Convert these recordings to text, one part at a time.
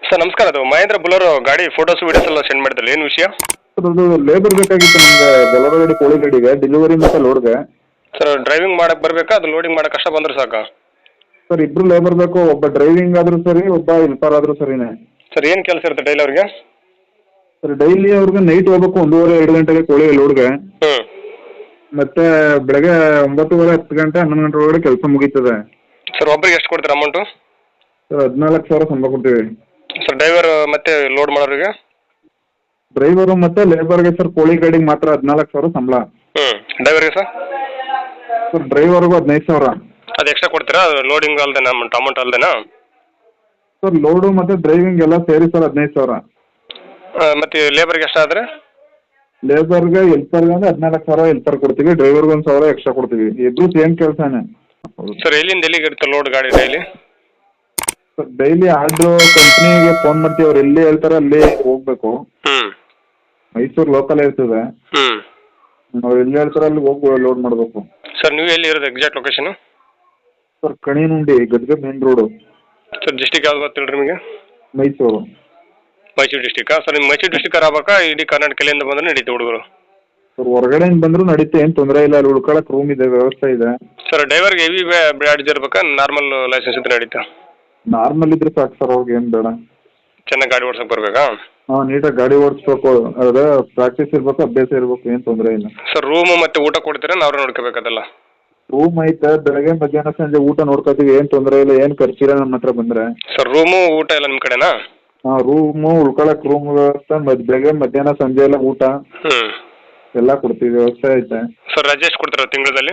Sir ನಮಸ್ಕಾರ. ಅದು ಮಹೇಂದ್ರ ಬುಲರೋ ಗಾಡಿ ಫೋಟೋಸ್ ವೀಡಿಯೋಸ್ ಎಲ್ಲ ಸೆಂಡ್ ಮಾಡಿದ್ರಲ್ಲ, ಏನು ವಿಷಯ? ಸರ್ ಅದು ಲೇಬರ್ ಬೇಕಾಗಿತ್ತು ನಮಗೆ, ಬೊಲೊರೋ ಗಾಡಿ ಕೋಳಿ ಗಾಡಿಗೆ ಡೆಲಿವರಿ ಮತ್ತು ಲೋಡ್ಗೆ. ಸರ್ ಡ್ರೈವಿಂಗ್ ಮಾಡಕ್ಕೆ ಬರಬೇಕಾ, ಅದು ಲೋಡಿಂಗ್ ಮಾಡಕ್ಕೆ ಕಷ್ಟ ಬಂದ್ರೆ ಸಾಕಾ? ಸರ್ ಇಬ್ಬರು ಲೇಬರ್ ಬೇಕು, ಒಬ್ಬ ಡ್ರೈವಿಂಗ್ ಆದರೂ ಸರಿ, ಒಬ್ಬ ಹೆಲ್ಪರ್ ಆದರೂ ಸರಿನೇ. ಸರ್ ಏನು ಕೆಲಸ ಇರುತ್ತೆ ಡೈಲಿ ಅವ್ರಿಗೆ? ಸರ್ ಡೈಲಿ ಅವ್ರಿಗೆ ನೈಟ್ ಹೋಗ್ಬೇಕು 1:30-2 ಗಂಟೆಗೆ ಕೋಳಿ ಲೋಡ್ಗೆ, ಹ್ಞೂ. ಮತ್ತೆ ಬೆಳಗ್ಗೆ 9:30 10 ಗಂಟೆ 11 ಗಂಟೆ ಒಳಗಡೆ ಕೆಲಸ ಮುಗೀತದೆ. ಸರ್ ಒಬ್ರಿಗೆ ಎಷ್ಟು ಕೊಡ್ತೀರಾ ಅಮೌಂಟು? ಸರ್ 14,000 ಸಂಬಳ ಕೊಡ್ತೀವಿ. ಸರ್ ಡ್ರೈವರ್ ಮತ್ತೆ ಲೋಡ್ ಮಾಡೋರಿಗೆ? ಡ್ರೈವರು ಮತ್ತು ಲೇಬರ್ಗೆ ಸರ್ ಕೋಳಿ ಗಾಡಿಗೆ ಮಾತ್ರ 14,000 ಸಂಬಳ. ಹ್ಞೂ. ಡ್ರೈವರ್ಗೆ ಸರ್? ಸರ್ ಡ್ರೈವರ್ಗೂ 15,000. ಅದು ಎಕ್ಸ್ಟ್ರಾ ಕೊಡ್ತೀರಾ ಲೋಡಿಂಗ್ ಅಲ್ದೇನಾ, ಅಮೌಂಟ್ ಅಲ್ದೇನಾ? ಸರ್ ಲೋಡು ಮತ್ತು ಡ್ರೈವಿಂಗ್ ಎಲ್ಲ ಸೇರಿ ಸರ್ 15,000. ಮತ್ತು ಲೇಬರ್ಗೆ ಎಷ್ಟಾದರೆ? ಲೇಬರ್ಗೆ ಹೆಲ್ಪರ್ಗೆ ಅಂದರೆ 14,000 ಹೆಲ್ಪರ್ ಕೊಡ್ತೀವಿ, ಡ್ರೈವರ್ಗೆ 1,000 ಎಕ್ಸ್ಟ್ರಾ ಕೊಡ್ತೀವಿ. ಇಬ್ಬರು ಸೇಮ್ ಕೆಲಸನೇ. ಸರ್ ಎಲ್ಲಿಂದ ಎಲ್ಲಿಗೆ ಇರುತ್ತೆ ಲೋಡ್ ಗಾಡಿ ಡೈಲಿ? ಸರ್ ಡೈಲಿ ಆರ್ಡ್ರು ಕಂಪ್ನಿಗೆ ಫೋನ್ ಮಾಡ್ತೀವಿ, ಅವ್ರು ಎಲ್ಲಿ ಹೇಳ್ತಾರೆ ಅಲ್ಲಿ ಹೋಗ್ಬೇಕು. ಹ್ಞೂ. ಮೈಸೂರು ಲೋಕಲ್ ಇರ್ತದೆ, ಹ್ಞೂ. ಅವ್ರು ಎಲ್ಲಿ ಹೇಳ್ತಾರೆ ಅಲ್ಲಿ ಹೋಗಿ ಲೋಡ್ ಮಾಡಬೇಕು. ಸರ್ ನೀವು ಎಲ್ಲಿ ಇರೋದು ಎಕ್ಸಾಕ್ಟ್ ಲೊಕೇಶನು? ಸರ್ ಕಣಿನುಂಡಿ Gadag main road. Sir district ಯಾವ್ದು ಗೊತ್ತಿಲ್ಲ ನಿಮಗೆ? ಮೈಸೂರು. ಮೈಸೂರು ಡಿಸ್ಟಿಕ್ಕಾ? ಸರ್ ನಿಮ್ಮ ಮೈಸೂರು ಡಿಸ್ಟಿಕ್ ಆಗ್ಬೇಕಾ ಇಡೀ ಕರ್ನಾಟಕ ಎಲ್ಲಿಂದ ಬಂದ್ರೆ ನಡೀತು ಹುಡುಗರು? ಸರ್ ಹೊರಗಡೆಯಿಂದ ಬಂದರೂ ನಡೀತೆ, ಏನು ತೊಂದರೆ ಇಲ್ಲ, ಅಲ್ಲಿ ಉಳ್ಕೊಳಕ್ಕೆ ರೂಮ್ ಇದೆ, ವ್ಯವಸ್ಥೆ ಇದೆ. ಸರ್ ಡ್ರೈವರ್ಗೆ ಹೆವಿ ಬ್ಯಾಡ್ಜ್ ಇರ್ಬೇಕಾ, ನಾರ್ಮಲ್ ಲೈಸೆನ್ಸ್ ಇದ್ರೆ ನಡೀತಾ? ನಾರ್ಮಲ್ ಇದ್ರೆ ಸಾಕು ಸರ್, ಅವ್ರಿಗೆ ಏನು ಬೇಡ. ಚೆನ್ನಾಗಿ ಗಾಡಿ ಓಡ್ಸಕ್ಕೆ ಬರಬೇಕಾ? ಹಾಂ, ನೀಟಾಗಿ ಗಾಡಿ ಓಡಿಸ್ಬೇಕು, ಅದೇ ಪ್ರಾಕ್ಟೀಸ್ ಇರಬೇಕು, ಅಭ್ಯಾಸ ಇರಬೇಕು, ಏನು ತೊಂದರೆ ಇಲ್ಲ. ಸರ್ ರೂಮು ಮತ್ತು ಊಟ ಕೊಡ್ತೀರಾ ನಾವ್ರೆ ನೋಡ್ಕೋಬೇಕದಲ್ಲ? ರೂಮ್ ಐತೆ, ಬೆಳಗ್ಗೆ ಮಧ್ಯಾಹ್ನ ಸಂಜೆ ಊಟ ನೋಡ್ಕೊತೀವಿ, ಏನು ತೊಂದರೆ ಇಲ್ಲ, ಏನು ಖರ್ಚಿಲ್ಲ ನಮ್ಮ ಹತ್ರ ಬಂದರೆ. ಸರ್ ರೂಮು ಊಟ ಎಲ್ಲ ನಿಮ್ಮ ಕಡೆನಾ? ಹಾಂ, ರೂಮು ಉಳ್ಕೊಳಕ್ಕೆ ರೂಮ್ ವ್ಯವಸ್ಥೆ, ಬೆಳಗ್ಗೆ ಮಧ್ಯಾಹ್ನ ಸಂಜೆ ಎಲ್ಲ ಊಟ ಹ್ಞೂ ಎಲ್ಲ ಕೊಡ್ತೀವಿ, ವ್ಯವಸ್ಥೆ ಐತೆ. ಸರ್ ರಜೆ ಎಷ್ಟು ಕೊಡ್ತೀರಾ ತಿಂಗಳಲ್ಲಿ?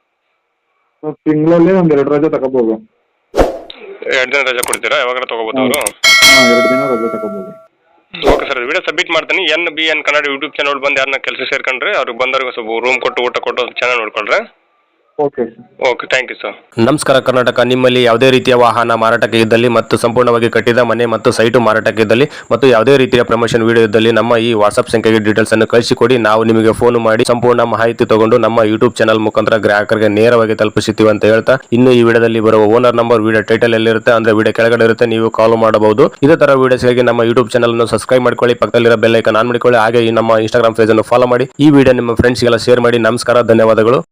ತಿಂಗಳಲ್ಲಿ ಒಂದು 2 ರಜೆ ತಗೋಬೋದು. 2 ದಿನ ರಜೆ ಕೊಡ್ತೀರಾ? ಯಾವಾಗಾರ ತೊಗೋಬೋದು ಅವರು? ಹಾಂ, 2 ದಿನ ರಜೆ ತಗೋಬೋದು. ಓಕೆ ಸರ್, ವಿಡಿಯೋ ಸಬ್ಮಿಟ್ ಮಾಡ್ತೀನಿ. NBN ಕನ್ನಡ ಯೂಟ್ಯೂಬ್ ಚಾನಲ್ ಬಂದು ಯಾರನ್ನ ಕೆಲಸ ಸೇರ್ಕೊಂಡ್ರೆ ಅವ್ರಿಗೆ ಬಂದವ್ರಿಗೆ ಸ್ವಲ್ಪ ರೂಮ್ ಕೊಟ್ಟು ಊಟ ಕೊಟ್ಟು ಚೆನ್ನಾಗಿ ನೋಡ್ಕೊಳ್ರೆ. Okay sir. Okay, thank you sir. ನಮಸ್ಕಾರ ಕರ್ನಾಟಕ. ನಿಮ್ಮಲ್ಲಿ ಯಾವುದೇ ರೀತಿಯ ವಾಹನ ಮಾರಾಟಕ್ಕೆ ಇದ್ದಲ್ಲಿ ಮತ್ತು ಸಂಪೂರ್ಣವಾಗಿ ಕಟ್ಟಿದ ಮನೆ ಮತ್ತು ಸೈಟು ಮಾರಾಟಕ್ಕೆ ಇದ್ದಲ್ಲಿ ಮತ್ತು ಯಾವುದೇ ರೀತಿಯ ಪ್ರಮೋಷನ್ ವಿಡಿಯೋ ಇದ್ದಲ್ಲಿ ನಮ್ಮ ಈ ವಾಟ್ಸ್ಆಪ್ ಸಂಖ್ಯೆಗೆ ಡೀಟೇಲ್ಸ್ ಅನ್ನು ಕಳಿಸಿಕೊಡಿ. ನಾವು ನಿಮಗೆ ಫೋನ್ ಮಾಡಿ ಸಂಪೂರ್ಣ ಮಾಹಿತಿ ತಗೊಂಡು ನಮ್ಮ ಯೂಟ್ಯೂಬ್ ಚಾನಲ್ ಮುಖಾಂತರ ಗ್ರಾಹಕರಿಗೆ ನೇರವಾಗಿ ತಲುಪಿಸುತ್ತೀವಿ ಅಂತ ಹೇಳ್ತಾ, ಇನ್ನು ಈ ವಿಡಿಯೋದಲ್ಲಿ ಬರುವ ಓನರ್ ನಂಬರ್ ವಿಡಿಯೋ ಟೈಟಲ್ ಎಲ್ಲಿರುತ್ತೆ ಅಂದ್ರೆ ವಿಡಿಯೋ ಕೆಳಗಡೆ ಇರುತ್ತೆ, ನೀವು ಕಾಲ್ ಮಾಡಬಹುದು. ಇದೇ ತರ ವಿಡಿಯೋಸ್ಗಾಗಿ ನಮ್ಮ ಯೂಟ್ಯೂಬ್ ಚಾನಲ್ ಅನ್ನು ಸಬ್ಸ್ಕ್ರೈಬ್ ಮಾಡ್ಕೊಳ್ಳಿ, ಪಕ್ಕದಲ್ಲಿರೋ ಬೆಲ್ ಐಕಾನ್ ಆನ್ ಮಾಡಿಕೊಳ್ಳಿ, ಹಾಗೆ ಈ ನಮ್ಮ ಇನ್ಸ್ಟಾಗ್ರಾಮ್ ಪೇಜ್ ಅನ್ನು ಫಾಲೋ ಮಾಡಿ. ಈ ವಿಡಿಯೋ ನಿಮ್ಮ ಫ್ರೆಂಡ್ಸ್ಗೆಲ್ಲ ಶೇರ್ ಮಾಡಿ. ನಮಸ್ಕಾರ, ಧನ್ಯವಾದಗಳು.